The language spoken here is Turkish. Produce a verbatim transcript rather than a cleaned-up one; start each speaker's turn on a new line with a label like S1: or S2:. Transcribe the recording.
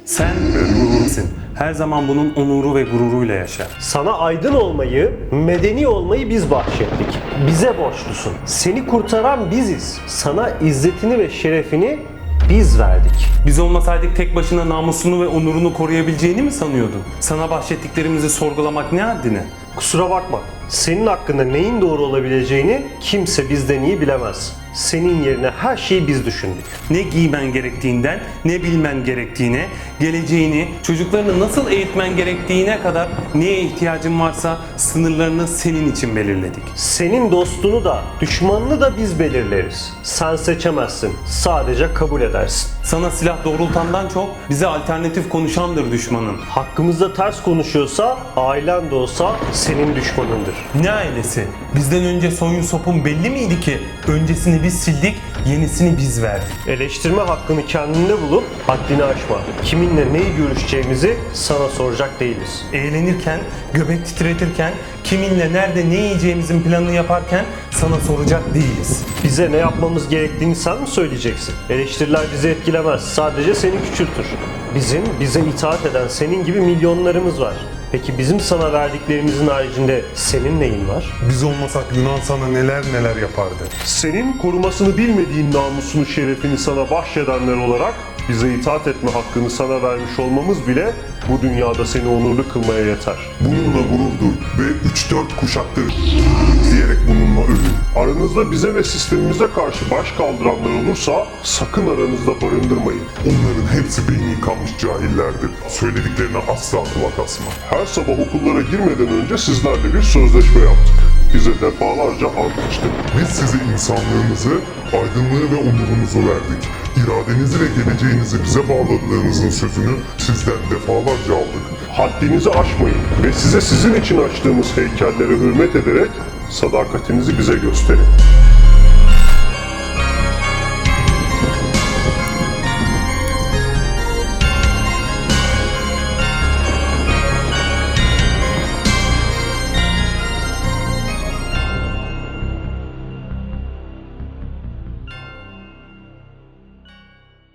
S1: Sen ölümsün. Her zaman bunun onuru ve gururuyla yaşa.
S2: Sana aydın olmayı, medeni olmayı biz bahşettik. Bize borçlusun. Seni kurtaran biziz. Sana izzetini ve şerefini biz verdik.
S1: Biz olmasaydık tek başına namusunu ve onurunu koruyabileceğini mi sanıyordun? Sana bahşettiklerimizi sorgulamak ne haddine?
S2: Kusura bakma. Senin hakkında neyin doğru olabileceğini kimse bizden iyi bilemez. Senin yerine her şeyi biz düşündük.
S1: Ne giymen gerektiğinden, ne bilmen gerektiğine, geleceğini, çocuklarını nasıl eğitmen gerektiğine kadar neye ihtiyacın varsa sınırlarını senin için belirledik.
S2: Senin dostunu da, düşmanını da biz belirleriz. Sen seçemezsin, sadece kabul edersin.
S1: Sana silah doğrultandan çok bize alternatif konuşandır düşmanın.
S2: Hakkımızda ters konuşuyorsa, ailen de olsa senin düşmanındır.
S1: Ne ailesi? Bizden önce soyun sopun belli miydi ki? Öncesini biz sildik, yenisini biz verdik.
S2: Eleştirme hakkını kendinde bulup haddini aşma. Kiminle neyi görüşeceğimizi sana soracak değiliz.
S1: Eğlenirken, göbek titretirken, kiminle nerede ne yiyeceğimizin planını yaparken sana soracak değiliz.
S2: Bize ne yapmamız gerektiğini sen mi söyleyeceksin? Eleştiriler bizi etkilemez, sadece seni küçültür. Bizim, bize itaat eden senin gibi milyonlarımız var. Peki bizim sana verdiklerimizin haricinde senin neyin var?
S3: Biz olmasak Yunan sana neler neler yapardı.
S4: Senin korumasını bilmediğin namusunu, şerefini sana bahşedenler olarak bize itaat etme hakkını sana vermiş olmamız bile bu dünyada seni onurlu kılmaya yeter.
S3: Bununla gurur duy ve üç dört kuşaktır diyerek bununla övün.
S4: Aranızda bize ve sistemimize karşı baş kaldıranlar olursa sakın aranızda barındırmayın.
S3: Onların hepsi beyni yıkanmış cahillerdir. Söylediklerine asla kulak asma.
S4: Her sabah okullara girmeden önce sizlerle bir sözleşme yaptık. Bize defalarca ant içtik.
S3: Biz size insanlığınızı, aydınlığı ve onurunuzu verdik. İradenizi ve geleceğinizi bize bağladığınızın sözünü sizden defalarca aldık.
S4: Haddinizi aşmayın ve size sizin için açtığımız heykellere hürmet ederek sadakatinizi bize gösterin.